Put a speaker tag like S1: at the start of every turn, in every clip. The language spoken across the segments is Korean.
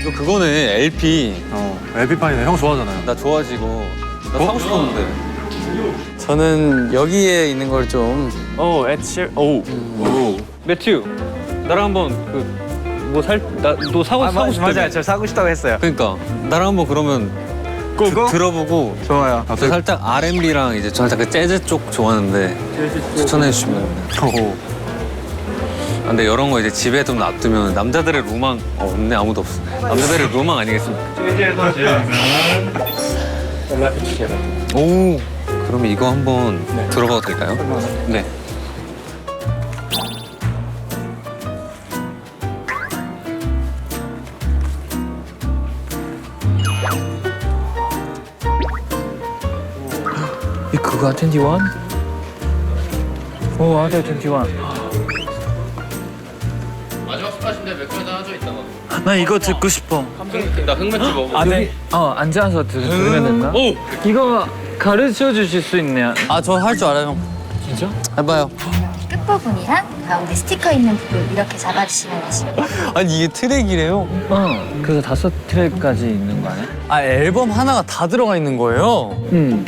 S1: 또 그거네, LP.
S2: LP판이네. 형 좋아하잖아요.
S1: 나 좋아지고. 나 사고 싶었는데.
S3: 저는 여기에 있는 걸 좀.
S4: 오, 엣시. 오.
S1: 매튜, 나랑 한번 너 사고 싶다며.
S3: 맞아요. 저 사고 싶다고 했어요.
S1: 그러니까 나랑 한번 그러면 들어보고.
S3: 좋아요.
S1: 저 살짝 R&B랑 이제 저 살짝 그 재즈 쪽 좋아하는데 추천해 주시면. 근데 이런 거 이제 집에 좀 놔두면 남자들의 로망 없네. 아무도 없어. 남자들의 로망 아니겠습니까?
S4: 재즈에서 제일 유명한 벨라피치케라.
S1: 오, 그럼 이거 한번 들어봐도 될까요? 네.
S4: 이 그거야 21? 오, 맞아 21.
S1: 마지막 스팟인데 몇 개나 하죠 이따가.
S4: 나 이거 듣고 싶어.
S1: 나 흑맥주 먹어.
S4: 안에 앉아서 들으면 된다.
S1: 오,
S4: 이거 가르쳐 주실 수 있네요.
S3: 아, 저 할 줄 알아요, 형.
S4: 진짜?
S3: 해봐요.
S5: 끝부분이랑 가운데 스티커 있는 부분 이렇게 잡아주시면 되십니다.
S3: 아니, 이게 트랙이래요?
S4: 그래서 5트랙까지 있는 거 아니야?
S3: 아, 앨범 하나가 다 들어가 있는 거예요?
S4: 응.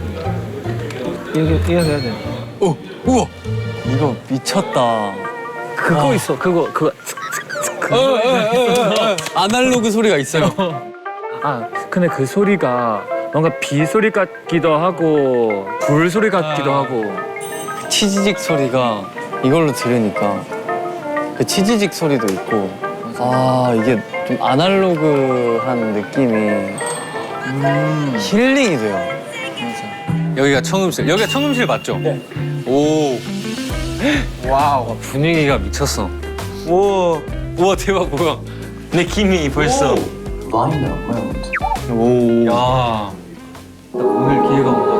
S4: 이거 해야 돼.
S3: 오, 우와. 이거 미쳤다.
S4: 그거 있어. 그거.
S3: 아날로그 소리가 있어요.
S4: 아, 근데 그 소리가 뭔가 비 소리 같기도 하고 불 소리 같기도 하고.
S3: 치지직 소리가 이걸로 들으니까 그 치지직 소리도 있고. 아, 이게 좀 아날로그한 느낌이 힐링이 돼요.
S1: 여기가 청음실. 여기가 청음실 맞죠? 네. 오, 와우, 분위기가 미쳤어.
S3: 오,
S1: 우와, 대박, 뭐야?
S3: 느낌이 벌써.
S1: 오, 야, 오늘 기회가 온다.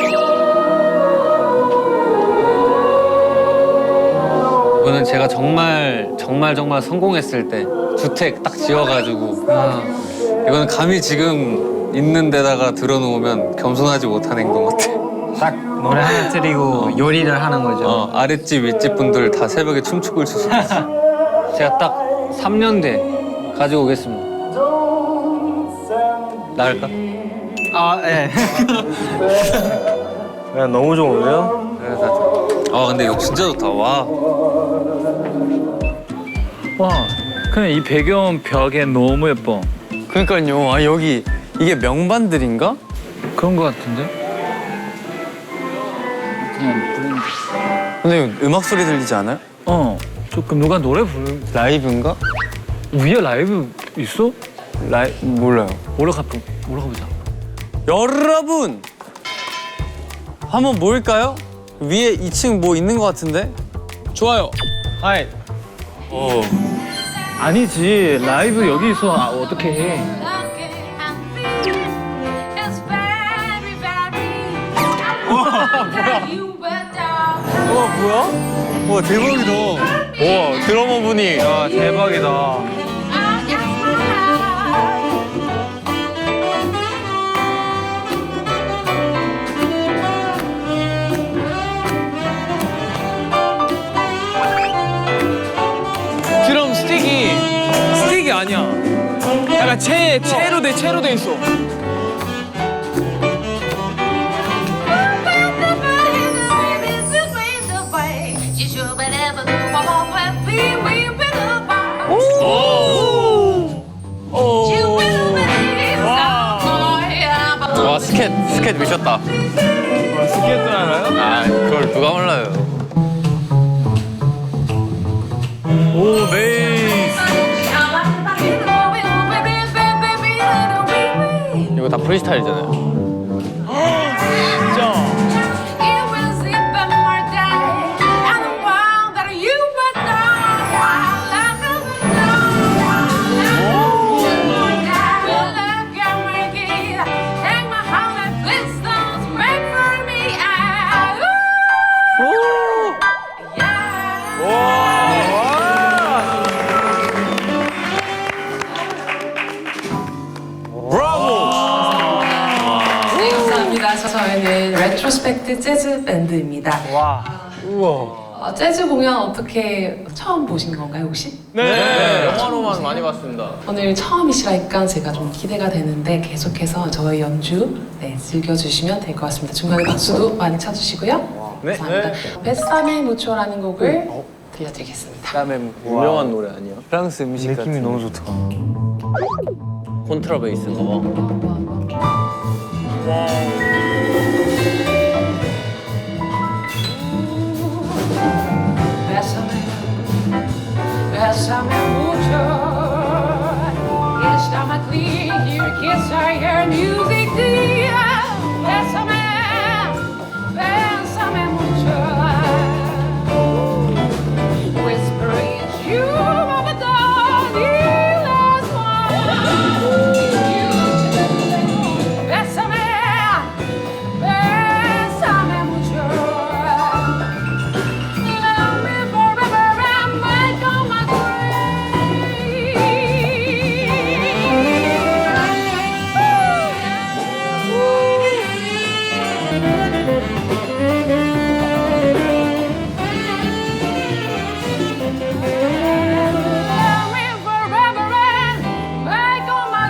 S1: 이거는 제가 정말 성공했을 때 주택 딱 지어가지고 이거는 감히 지금 있는 데다가 들어놓으면 겸손하지 못한 행동 같아.
S3: 딱 노래 하나 틀리고 요리를 하는 거죠.
S1: 아랫집 윗집 분들 다 새벽에 춤추고 있을 수도 있어. 제가 딱 3년 뒤에 가지고 오겠습니다. 나을까?
S3: 아, 예.
S4: 야, 너무 좋은데요?
S1: 근데 이거 진짜 좋다. 와.
S4: 와, 근데 이 배경 벽에 너무 예뻐.
S3: 그러니까요. 아, 여기 이게 명반들인가?
S4: 그런 거 같은데?
S3: 근데 음악 소리 들리지 않아요?
S4: 조금 누가 노래 부르는
S3: 라이브인가?
S4: 위에 라이브 있어?
S3: 몰라요.
S4: 올라가보자.
S3: 여러분! 한번 모일까요? 위에 2층 뭐 있는 것 같은데? 좋아요. 하이.
S4: 아니지, 라이브 여기 있어. 어떻게 해?
S3: 와, 대박이다. 와, 드러머 분이.
S4: 야, 대박이다.
S6: 드럼 스틱이 아니야. 약간 채로 돼 있어.
S3: 와, 스캣 미쳤다.
S6: 스케트 알아요?
S3: 아, 그걸 누가 몰라요.
S4: 오, 베이스.
S3: 이거 다 프리스타일이잖아요.
S4: 진짜.
S7: 네, 감사합니다. 저희는 레트로스펙트 재즈 밴드입니다.
S4: 와.
S7: 재즈 공연 어떻게 처음 보신 건가요, 혹시?
S3: 네, 영화로만 많이 봤습니다.
S7: 오늘 처음이시라니까 제가 좀 기대가 되는데 계속해서 저희 연주 즐겨주시면 될 것 같습니다. 중간에 박수도 많이 쳐주시고요.
S3: 네.
S7: 감사합니다. 베사메 무초라는 곡을 들려드리겠습니다.
S3: 그다음에 유명한 노래 아니에요? 프랑스 음식
S4: 느낌이 너무 좋다.
S3: 콘트라베이스인가 봐.
S7: Bésame mucho, está más clear, kiss I hear music dear. Bésame, bésame mucho. Whisper it's you, my darling, last one. Bésame, bésame mucho. Love me forever and make all my Love me forever and make all my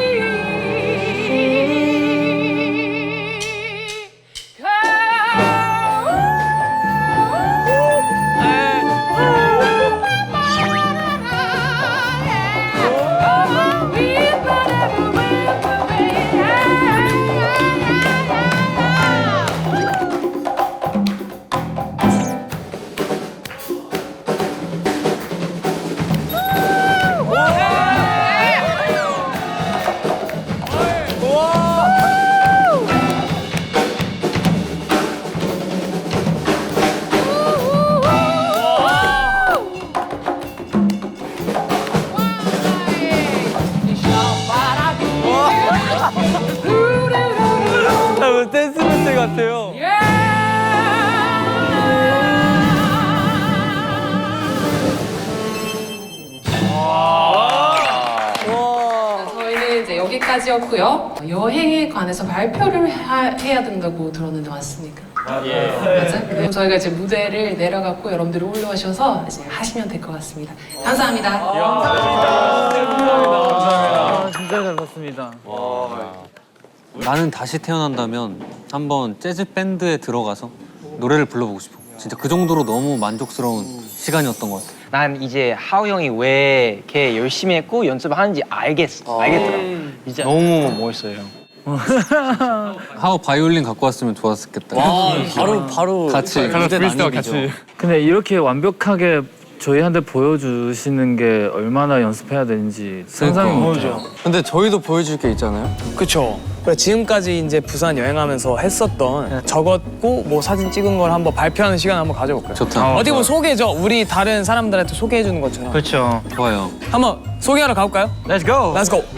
S3: 댄스 밴드 같아요. 저희는 이제 여기까지였고요. 여행에 관해서 발표를 해야 된다고 들었는데 맞습니까? 맞아? 그럼 저희가 이제 무대를 내려갔고 여러분들이 올라오셔서 이제 하시면 될 것 같습니다. 감사합니다.
S4: 아, 진짜 잘 봤습니다.
S1: 나는 다시 태어난다면 한번 재즈 밴드에 들어가서 노래를 불러보고 싶어. 진짜 그 정도로 너무 만족스러운 시간이었던 것 같아.
S8: 난 이제 하우 형이 왜 이렇게 열심히 했고 연습하는지 알겠더라. 진짜 너무 멋있어요.
S1: 하우 바이올린 갖고 왔으면 좋았겠다.
S3: 바로
S1: 같이
S3: 무대 난입이죠.
S4: 근데 이렇게 완벽하게 저희한테 보여주시는 게 얼마나 연습해야 되는지 상상이 못해요.
S3: 근데 저희도 보여줄 게 있잖아요.
S6: 그쵸. 그래, 지금까지 이제 부산 여행하면서 했었던 적었고 뭐 사진 찍은 걸 한번 발표하는 시간 한번 가져볼까요?
S1: 좋다.
S6: 어디 보면 소개죠. 우리 다른 사람들한테 소개해 주는 것처럼.
S8: 그렇죠.
S1: 좋아요.
S6: 한번 소개하러 가볼까요?
S8: Let's go.
S6: Let's go.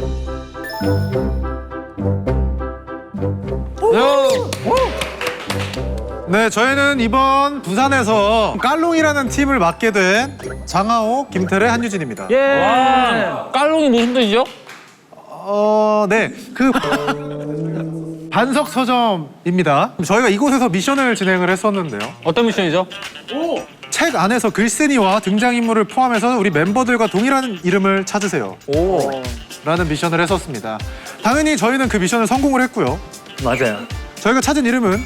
S2: 네, 저희는 이번 부산에서 깔롱이라는 팀을 맡게 된 장하오, 김태래, 한유진입니다.
S4: 예.
S6: 깔롱이 무슨 뜻이죠?
S2: 네, 그 반석 서점입니다. 저희가 이곳에서 미션을 진행을 했었는데요.
S1: 어떤 미션이죠?
S2: 책 안에서 글쓴이와 등장인물을 포함해서 우리 멤버들과 동일한 이름을 찾으세요. 라는 미션을 했었습니다. 당연히 저희는 그 미션을 성공을 했고요.
S4: 맞아요.
S2: 저희가 찾은 이름은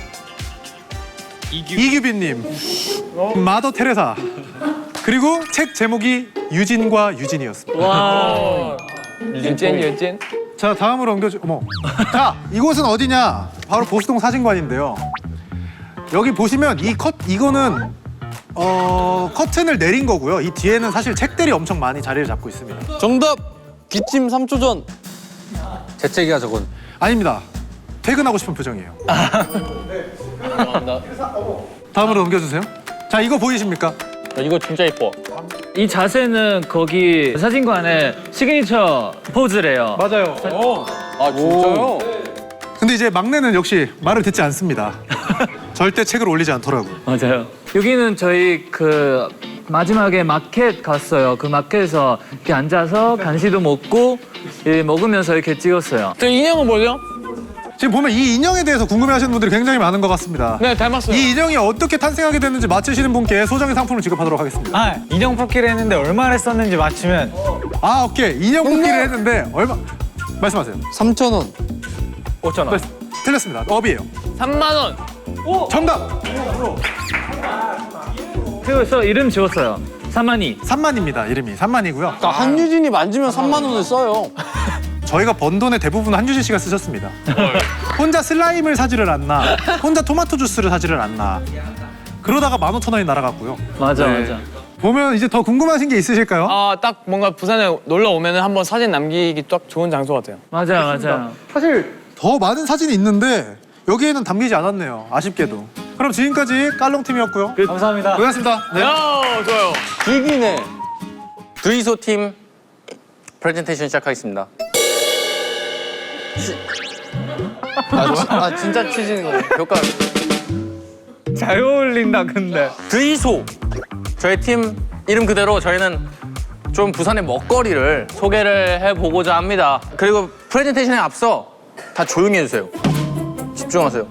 S2: 이규빈님, 마더 테레사, 그리고 책 제목이 유진과 유진이었습니다.
S6: 와. 유진.
S2: 자, 다음으로 옮겨주. 어머. 자, 이곳은 어디냐? 바로 보수동 사진관인데요. 여기 보시면 이거는 커튼을 내린 거고요. 이 뒤에는 사실 책들이 엄청 많이 자리를 잡고 있습니다.
S3: 정답! 기침 3초 전.
S1: 재채기야 저건.
S2: 아닙니다. 퇴근하고 싶은 표정이에요. 다음으로 넘겨주세요. 자, 이거 보이십니까?
S8: 이거 진짜 예뻐.
S4: 이 자세는 거기 사진관의 시그니처 포즈래요.
S2: 맞아요.
S3: 아 진짜요?
S2: 근데 이제 막내는 역시 말을 듣지 않습니다. 절대 책을 올리지 않더라고요.
S4: 맞아요. 여기는 저희 그 마지막에 마켓 갔어요. 그 마켓에서 이렇게 앉아서 간식도 먹고 먹으면서 이렇게 찍었어요.
S6: 저 인형은 뭐죠?
S2: 지금 보면 이 인형에 대해서 궁금해하시는 분들이 굉장히 많은 것 같습니다.
S6: 네, 닮았어요.
S2: 이 인형이 어떻게 탄생하게 됐는지 맞히시는 분께 소정의 상품을 지급하도록 하겠습니다.
S9: 아, 인형 뽑기를 했는데 얼마를 썼는지 맞히면
S2: 아, 오케이. 인형 뽑기를 했는데 얼마? 말씀하세요.
S8: 3,000원.
S4: 5천 원.
S2: 틀렸습니다. 업이에요.
S6: 3만 원.
S2: 정답.
S4: 그래서 이름 지웠어요. 3만이.
S2: 3만입니다. 이름이 3만이고요.
S8: 한유진이 만지면 3만 원을 써요.
S2: 저희가 번 돈의 대부분 한유진 씨가 쓰셨습니다. 혼자 슬라임을 사지를 않나, 혼자 토마토 주스를 사지를 않나. 그러다가 15,000원이 날아갔고요.
S4: 맞아
S2: 네.
S4: 맞아.
S2: 보면 이제 더 궁금하신 게 있으실까요?
S6: 딱 뭔가 부산에 놀러 오면은 한번 사진 남기기 딱 좋은 장소 같아요.
S4: 맞아 맞아.
S2: 사실 더 많은 사진이 있는데 여기에는 담기지 않았네요. 아쉽게도. 그럼 지금까지 깔롱팀이었고요.
S9: 감사합니다.
S2: 고맙습니다. 네.
S6: 좋아요.
S8: 이기네. 드이소 팀 프레젠테이션 시작하겠습니다. 진짜 치시는 거예요. 효과.
S4: 잘 어울린다 근데.
S8: 드이소. 저희 팀 이름 그대로 저희는 좀 부산의 먹거리를 소개를 해보고자 합니다. 그리고 프레젠테이션에 앞서 다 조용히 해주세요. 집중하세요.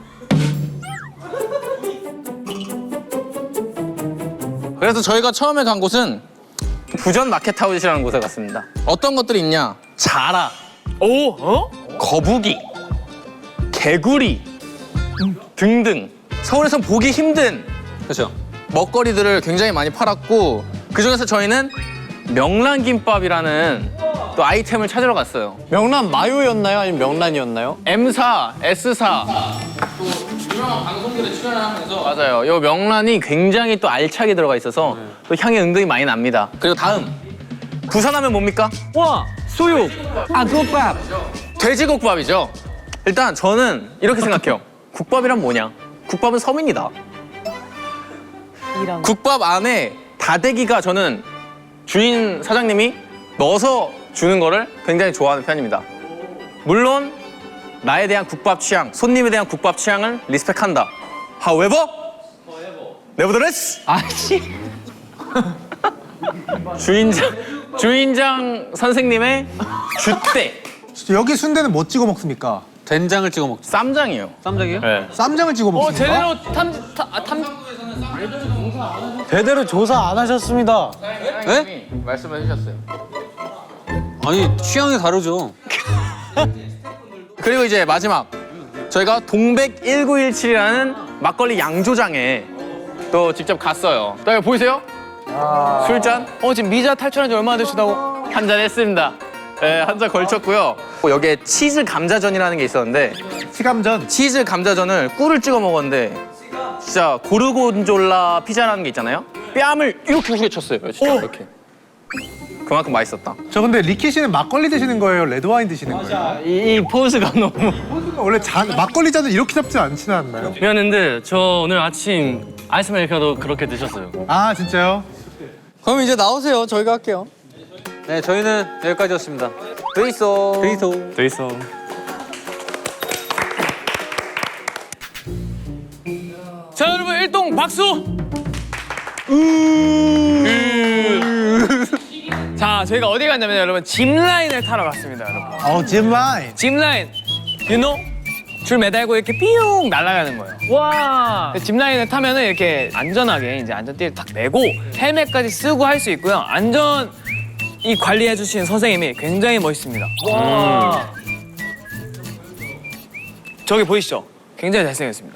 S8: 그래서 저희가 처음에 간 곳은 부전 마켓아웃이라는 곳에 갔습니다. 어떤 것들이 있냐? 자라, 거북이, 개구리 등등 서울에서 보기 힘든 그렇죠. 먹거리들을 굉장히 많이 팔았고 그중에서 저희는 명란김밥이라는 또 아이템을 찾으러 갔어요.
S9: 명란 마요였나요? 아니면 명란이었나요?
S8: M사, S사 또 유명한 방송들에 출연하면서 맞아요. 이 명란이 굉장히 또 알차게 들어가 있어서 또 향이 은근히 많이 납니다. 그리고 다음 부산하면 뭡니까?
S4: 와 수육.
S8: 국밥. 돼지국밥이죠. 일단 저는 이렇게 생각해요. 국밥이란 뭐냐? 국밥은 서민이다. 국밥 안에 다대기가 저는 주인 사장님이 넣어서 주는 거를 굉장히 좋아하는 편입니다. 물론 나에 대한 국밥 취향, 손님에 대한 국밥 취향을 리스펙한다. However, nevertheless, 주인장 선생님의 줏대
S2: 여기 순대는 뭐 찍어 먹습니까?
S1: 된장을 찍어 먹죠.
S8: 쌈장이에요.
S1: 쌈장이요?
S8: 네.
S2: 쌈장을 찍어 먹습니까?
S6: 제대로
S9: 제대로 조사 안 하셨습니다.
S1: 네?
S8: 말씀해 주셨어요.
S1: 아니 취향이 다르죠.
S8: 그리고 이제 마지막 저희가 동백 1917이라는 막걸리 양조장에 또 직접 갔어요. 또 여기 보이세요? 술잔?
S6: 지금 미자 탈출한 지 얼마나 되시다고?
S8: 한 잔 했습니다. 네, 한 잔 걸쳤고요. 여기에 치즈 감자전이라는 게 있었는데
S2: 치감전.
S8: 치즈 감자전을 꿀을 찍어 먹었는데 진짜 고르곤졸라 피자라는 게 있잖아요. 뺨을 이렇게 후려쳤어요. 진짜 이렇게. 그만큼 맛있었다.
S2: 저 근데 리키 씨는 막걸리 드시는 거예요? 레드와인 드시는 거예요?
S8: 이 포즈가 너무
S2: 원래 막걸리 잔을 이렇게 잡지 않지 않나요?
S10: 미안한데 저 오늘 아침 아이스 아메리카노 그렇게 드셨어요.
S2: 아 진짜요?
S8: 그럼 이제 나오세요. 저희가 할게요.
S1: 네 저희는 여기까지였습니다.
S8: 드이소.
S4: 돼 있어.
S6: 자 여러분 일동 박수. 자 저희가 어디 갔냐면 여러분 짚라인을 타러 갔습니다 여러분.
S2: 짚라인.
S6: 짚라인, you know? 줄 매달고 이렇게 삐용 날아가는 거예요.
S4: 와.
S6: 짚라인을 타면은 이렇게 안전하게 이제 안전띠를 딱 매고 헬멧까지 쓰고 할 수 있고요. 안전 이 관리해 주시는 선생님이 굉장히 멋있습니다.
S4: 와.
S6: 저기 보이시죠? 굉장히 잘생겼습니다.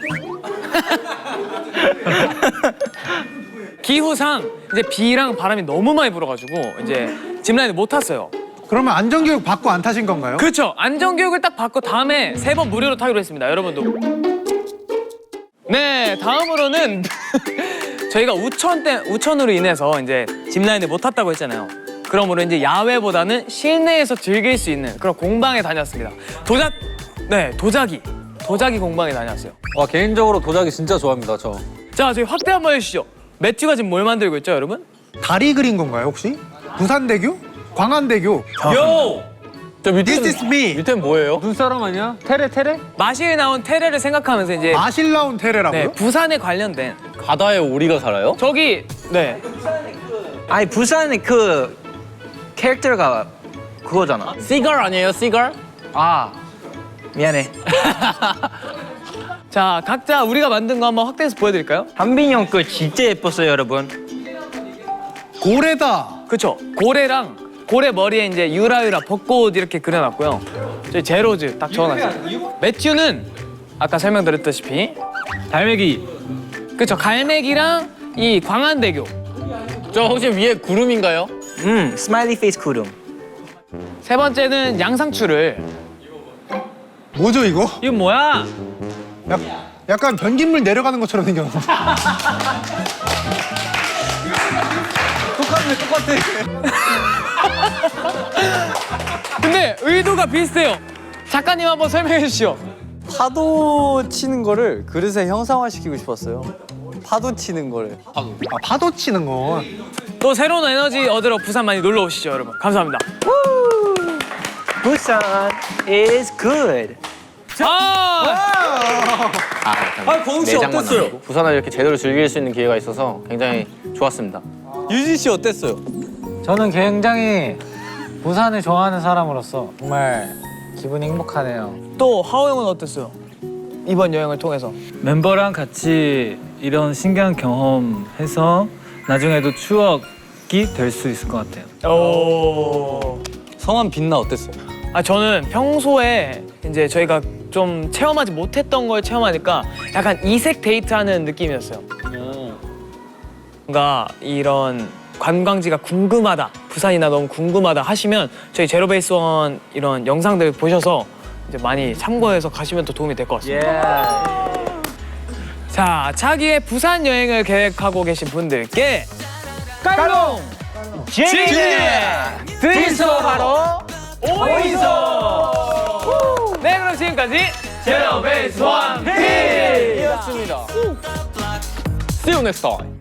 S6: 기후상 이제 비랑 바람이 너무 많이 불어가지고 이제 짚라인을 못 탔어요.
S2: 그러면 안전교육 받고 안 타신 건가요?
S6: 그렇죠. 안전교육을 딱 받고 다음에 3번 무료로 타기로 했습니다. 여러분도. 네, 다음으로는 저희가 우천으로 인해서 이제 짚라인을 못 탔다고 했잖아요. 그러므로 이제 야외보다는 실내에서 즐길 수 있는 그런 공방에 다녔습니다. 도자기 공방에 다녔어요.
S1: 와 개인적으로 도자기 진짜 좋아합니다 저.
S6: 자, 저희 확대 한번 해주시죠. 매튜가 지금 뭘 만들고 있죠, 여러분?
S2: 다리 그린 건가요 혹시? 부산대교? 광안대교?
S6: 요!
S8: 저
S2: This is me.
S8: 밑에는 뭐예요?
S1: 눈사람 아니야? 테레?
S6: 마실에 나온 테레를 생각하면서 이제
S2: 마실 나온 테레라고요?
S6: 네, 부산에 관련된
S8: 바다에 오리가 살아요?
S6: 저기 네.
S8: 아니 부산의 그 캐릭터가 그거잖아. 시걸 아니에요? 시걸? 아
S6: 미안해. 자, 각자 우리가 만든 거 한번 확대해서 보여드릴까요?
S10: 한빈이 형 거 진짜 예뻤어요, 여러분.
S2: 고래다.
S6: 그쵸? 고래랑 고래 머리에 이제 유라유라 벚꽃 이렇게 그려놨고요. 저희 제로즈 딱 적어놨어요. 매튜는 아까 설명드렸다시피
S4: 달매기.
S6: 그쵸? 갈매기랑 이 광안대교.
S8: 저 혹시 위에 구름인가요?
S10: 스마일리 페이스 구름.
S6: 세 번째는 양상추를.
S2: 뭐죠 이거?
S4: 이건 뭐야?
S2: 약간 변기물 내려가는 것처럼 생겼는데.
S6: 근데 의도가 비슷해요. 작가님 한번 설명해 주시죠.
S9: 파도 치는 거를 그릇에 형상화시키고 싶었어요. 파도 치는 거를.
S2: 아, 파도 치는 건.
S6: 또 새로운 에너지 얻으러 부산 많이 놀러 오시죠, 여러분. 감사합니다.
S10: 부산 is good.
S8: 권욱 씨 어땠어요? 부산을 이렇게 제대로 즐길 수 있는 기회가 있어서 굉장히 좋았습니다.
S9: 유진 씨 어땠어요?
S11: 저는 굉장히 부산을 좋아하는 사람으로서 정말 기분이 행복하네요.
S6: 또 하오 형은 어땠어요? 이번 여행을 통해서.
S4: 멤버랑 같이 이런 신기한 경험해서 나중에도 추억이 될 수 있을 것 같아요.
S6: 오.
S9: 성함 빛나 어땠어요?
S6: 아 저는 평소에 이제 저희가 좀 체험하지 못했던 걸 체험하니까 약간 이색 데이트하는 느낌이었어요. 뭔가 이런 관광지가 궁금하다, 부산이나 너무 궁금하다 하시면 저희 제로베이스원 이런 영상들 보셔서 이제 많이 참고해서 가시면 더 도움이 될 것 같습니다. 자, 차기의 부산 여행을 계획하고 계신 분들께 깔롱! 진예! 드리소하러 오이소! 네, 그럼 지금까지 제로베이스원 팀이었습니다.
S8: See you next time.